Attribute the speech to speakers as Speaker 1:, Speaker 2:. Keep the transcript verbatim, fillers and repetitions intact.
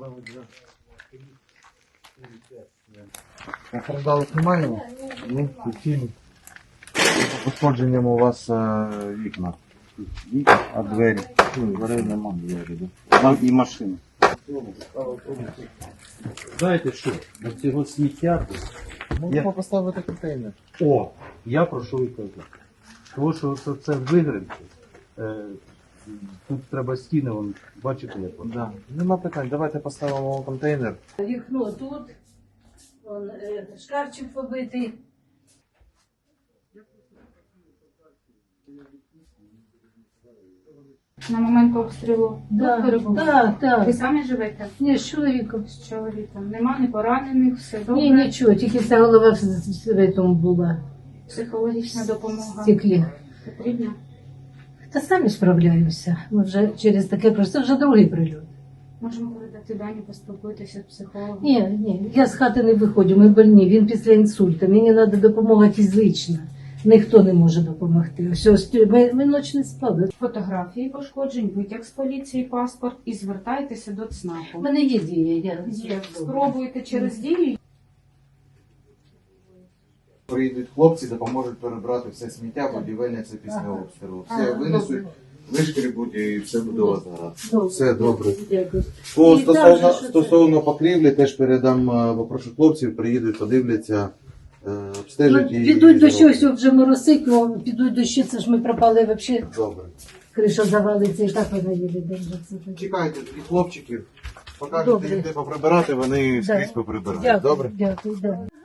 Speaker 1: Постраждалих немає? Ні, суцільні. Пошкодженням у вас е, вікна. А двері? Ну, дверей немає, двері, да? І машина.
Speaker 2: Знаєте що, на цього сміття,
Speaker 1: Можемо поставити контейнер.
Speaker 2: о, я про що і кажу. Тому що це, це вигринки. Е, тут треба стіни, вон, бачите, як воно.
Speaker 1: Да. Нема питань, давайте поставимо контейнер.
Speaker 3: Вікно тут, вон, е, шкафчик побитий.
Speaker 4: На момент обстрілу
Speaker 3: Да,
Speaker 4: тут перебували?
Speaker 3: так, так.
Speaker 4: Ви самі живете?
Speaker 3: Ні, з чоловіком.
Speaker 4: З чоловіком. Нема ні поранених, все добре.
Speaker 3: Ні, нічого, тільки ця голова в, в, в тому була,
Speaker 4: Психологічна
Speaker 3: в
Speaker 4: допомога
Speaker 3: стеклі.
Speaker 4: потрібна?
Speaker 3: Та самі справляємося. Ми вже через таке просто, це вже другий прильот.
Speaker 4: Можемо передати дані, поспілкуйтеся з психологом.
Speaker 3: Ні, ні, я з хати не виходжу, ми больні, він після інсульту, мені треба допомога фізична. Ніхто не може допомогти. Все, ми, ми ніч не спали.
Speaker 4: Фотографії пошкоджень, витяг з поліції, паспорт і звертайтеся до
Speaker 3: У
Speaker 4: ЦНАПу.
Speaker 3: мене є дія, я
Speaker 4: Є. Спробуйте через дію.
Speaker 1: Приїдуть хлопці, допоможуть перебрати все сміття, будівельне це після обстрілу. Все
Speaker 3: Ага,
Speaker 1: винесуть,
Speaker 3: добре.
Speaker 1: вишкрібуть і все буде у вас гаразд.
Speaker 3: Добре.
Speaker 1: Все добре.
Speaker 3: Дякую.
Speaker 1: По
Speaker 3: І
Speaker 1: стосовно,
Speaker 3: там же, що
Speaker 1: стосовно покрівлі, теж передам, е, попрошу хлопців, приїдуть, подивляться, е,
Speaker 3: Ну,
Speaker 1: обстежать і...
Speaker 3: підуть до
Speaker 1: зроблять.
Speaker 3: щось, вже моросить, ну, підуть дощі, це ж ми пропали взагалі.
Speaker 1: Добре.
Speaker 3: Криша завалиться і так вона їде держиться.
Speaker 1: Чекайте тоді хлопчиків, покажете
Speaker 3: Добре.
Speaker 1: їм де поприбирати, вони
Speaker 3: Да.
Speaker 1: скрізь поприбирають.
Speaker 3: Дякую,
Speaker 1: Добре?
Speaker 3: дякую, да.